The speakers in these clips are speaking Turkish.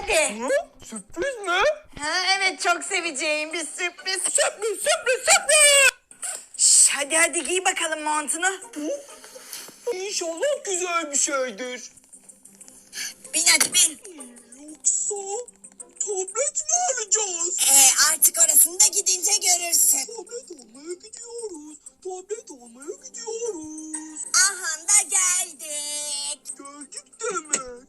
geldi. Hı? Sürpriz mi? Ha, evet, çok seveceğim bir sürpriz. Sürpriz. Şş, hadi giy bakalım montunu. İnşallah güzel bir şeydir. Bin hadi bin. Yoksa tablet mi alacağız? Artık orasını da gidince görürsün. Tablet almaya gidiyoruz. Tablet almaya gidiyoruz. Aha da geldik. Geldik demek.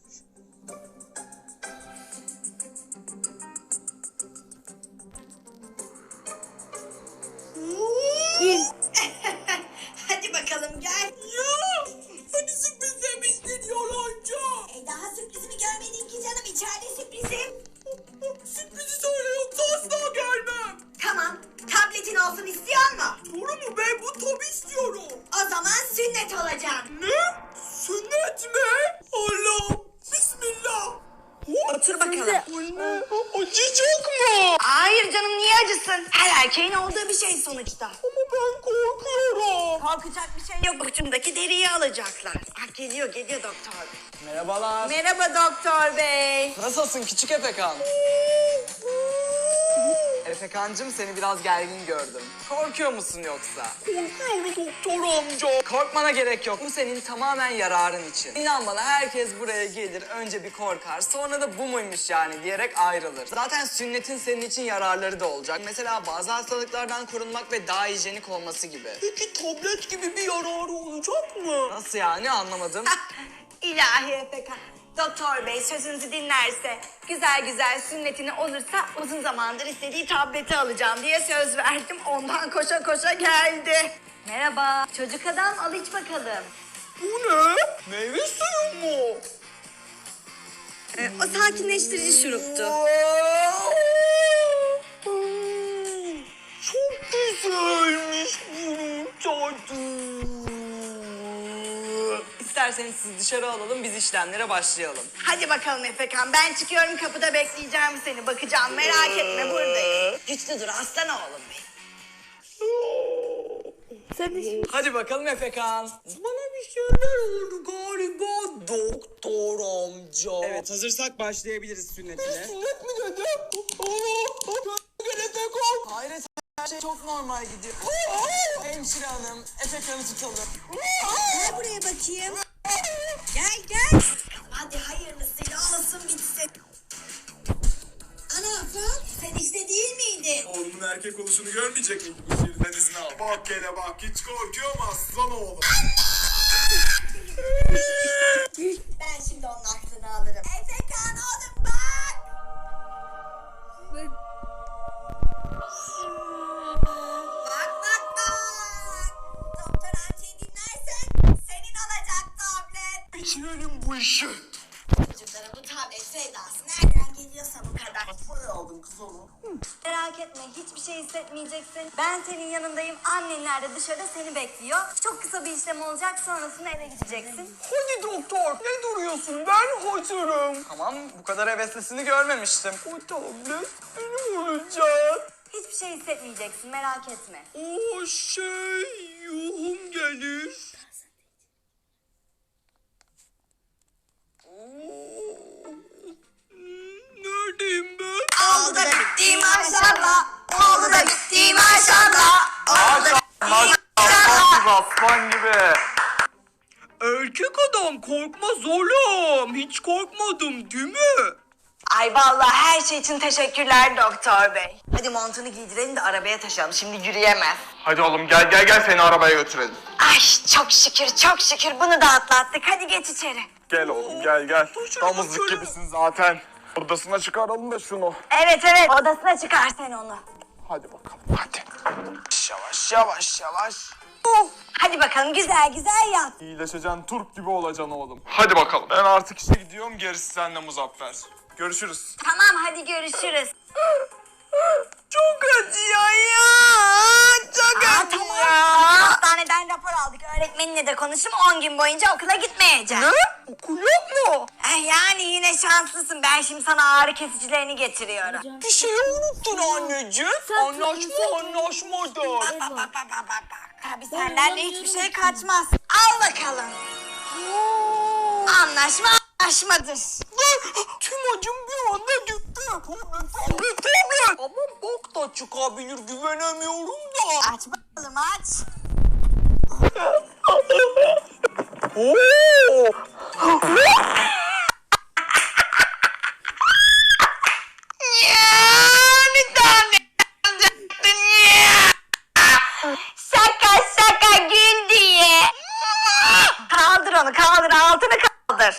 Hadi bakalım gel. Ya! Hani sürpriz demiştin yalancı? Daha sürprizimi görmedin ki canım, içeride sürprizim. Sürprizi söyle yoksa asla gelmem. Tamam, tabletin olsun istiyor mu? Doğru mu? Ben bu tabi istiyorum. O zaman sünnet olacağım. Ne? Sünnet mi? Allah! Bismillah! Otur bakalım. Anne, acıyacak mı? Hayır canım, niye acısın? Her erkeğin olduğu bir şey sonuçta. Ama ben korkuyorum. Korkacak bir şey yok. Ucundaki deriyi alacaklar. Ah, geliyor doktor bey. Merhabalar. Merhaba doktor bey. Nasılsın küçük Efekan? Efekancığım seni biraz gergin gördüm. Korkuyor musun yoksa? Korkuyorum doktor amca. Korkmana gerek yok. Bu senin tamamen yararın için. İnan bana herkes buraya gelir, önce bir korkar, sonra da bu muymuş yani diyerek ayrılır. Zaten sünnetin senin için yararları da olacak. Mesela bazı hastalıklardan korunmak ve daha hijyenik olması gibi. Peki tablet gibi bir yararı olacak mı? Nasıl yani anlamadım. İlahi Efekan. Doktor bey sözünüzü dinlerse, güzel güzel sünnetini olursa uzun zamandır istediği tableti alacağım diye söz verdim. Ondan koşa koşa geldi. Merhaba. Çocuk adam, al iç bakalım. Bu ne? Meyve suyu mu? O sakinleştirici şuruptu. Çok güzelmiş bunun tadı. İsterseniz siz dışarı alalım, biz işlemlere başlayalım. Hadi bakalım Efekan, ben çıkıyorum, kapıda bekleyeceğim seni. Bakacağım, merak etme, buradayım. Güçlü dur aslan oğlum benim. Hadi bakalım Efekan. Bana bir şeyler oldu galiba doktor amca. Evet, hazırsak başlayabiliriz sünnetine. Sünnet mi dedi? Gel Efekan. Hayret, her şey çok normal gidiyor. Hemşire hanım, Efekan'ı tutalım. Gel buraya bakayım. Gel. Hadi hayırlısıyla olsun bitsin. Ana Afra, sen işte değil miydin? Oğlumun erkek oluşunu görmeyecek miydik? Bu şeriften izin al. Bak gele bak, hiç korkuyor mu aslan oğlum? Ben şimdi onun aklını alırım. Efekan oğlum bak. Bak. Doktor amcayı dinlersen senin olacak tablet. Bitirelim bu işi. Çocuklara bu tablet sevdası nereden geliyorsa bu kadar. Buraya aldın kız onu. Merak etme, hiçbir şey hissetmeyeceksin. Ben senin yanındayım. Annenler de dışarıda seni bekliyor. Çok kısa bir işlem olacak, sonrasında eve gideceksin. Hadi doktor, ne duruyorsun? Ben hazırım. Tamam, bu kadar heveslisini görmemiştim. O tablet benim olacak. Hiçbir şey hissetmeyeceksin, merak etme. O şey yuhum gelir. Neredeyim ben? Oldu da bitti maşallah. Oldu da bitti maşallah. Oldu da bitti maşallah. Aslan gibi. Erkek adam korkmaz oğlum. Hiç korkmadım değil mi? Ay vallahi her şey için teşekkürler doktor bey. Hadi montunu giydirelim de arabaya taşıyalım. Şimdi yürüyemez. Hadi oğlum gel seni arabaya götürelim. Ay çok şükür bunu da atlattık. Hadi geç içeri. Gel oğlum gel. Damızlık gibisin zaten. Odasına çıkaralım da şunu. Evet odasına çıkar sen onu. Hadi bakalım hadi. Yavaş. Hadi bakalım güzel yat. İyileşeceksin, turp gibi olacaksın oğlum. Hadi bakalım. Ben artık işe gidiyorum, gerisi seninle Muzaffer. Görüşürüz. Tamam hadi görüşürüz. Çok acıyor ya. Çok Tamam. Hastaneden rapor aldık. Öğretmeninle de konuştum. 10 gün boyunca okula gitmeyeceğim. Ne? Okul yok mu? Yani yine şanslısın. Ben şimdi sana ağrı kesicilerini getiriyorum. Bir şey unuttun anneciğim. Anlaşmadır. Bak. Tabii senlerle hiçbir şey kaçmaz. Al bakalım. Anlaşma anlaşmadır. Tüm acım bir anda çıkabilir güvenemiyorum da. Aç bakalım aç. Oo! Bir tane alacaktın ya. Şaka şaka gül diye. Kaldır onu kaldır altını kaldır.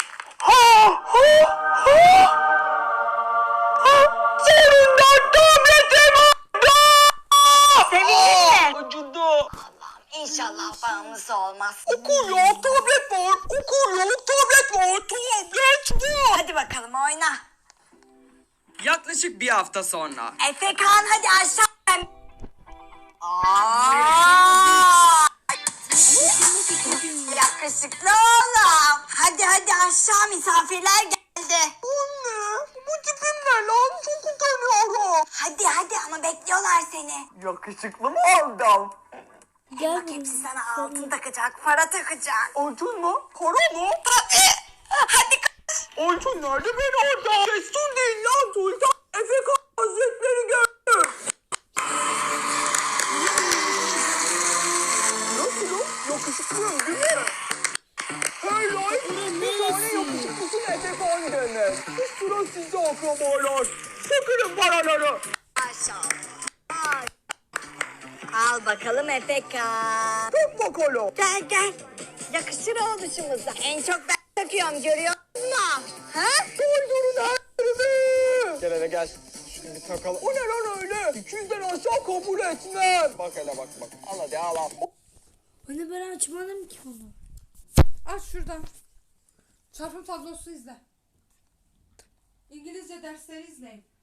Sonunda tabletim oldu. Sevindin mi? Acıdı. İnşallah bağımlısı olmaz. Okul yok, tablet var. Okul yok, tablet var. Tablet var. Hadi bakalım oyna. Yaklaşık bir hafta sonra. Efekan hadi aşağı. Aa! Yakışıklı oğlum. Hadi hadi aşağı misafirler geldi. Anne, bu tipim ne lan? Çok utanıyorum. Hadi hadi ama bekliyorlar seni. Yakışıklı mı oldum? Bak hepsi sana altın takacak, para takacak. Altın mı? Para mı? Hadi kaç. Altın nerede ben orada? Destur değil lan Sultan. Efekan Hazretleri geldi. Nasılım? Yakışıklıyım değil mi? Hey lan! Bir tane yakışıklısın Efekan demek. Sıra sizde akrabalar. Çekirin paraları. Maşallah. Al bakalım Efekan. Tut bakalım. Gel gel. Yakışır oluşumuza. En çok ben takıyorum görüyor musun? Ha? Doldurun her yerimi. Gel hele gel. Şunu bir takalım. O ne lan öyle? 200'den aşağı kabul etmem. Bak hele bak bak. Al hadi al al. Hani ben açmadım ki onu. Aç şuradan. Çarpım tablosu izle. İngilizce dersleri izleyin.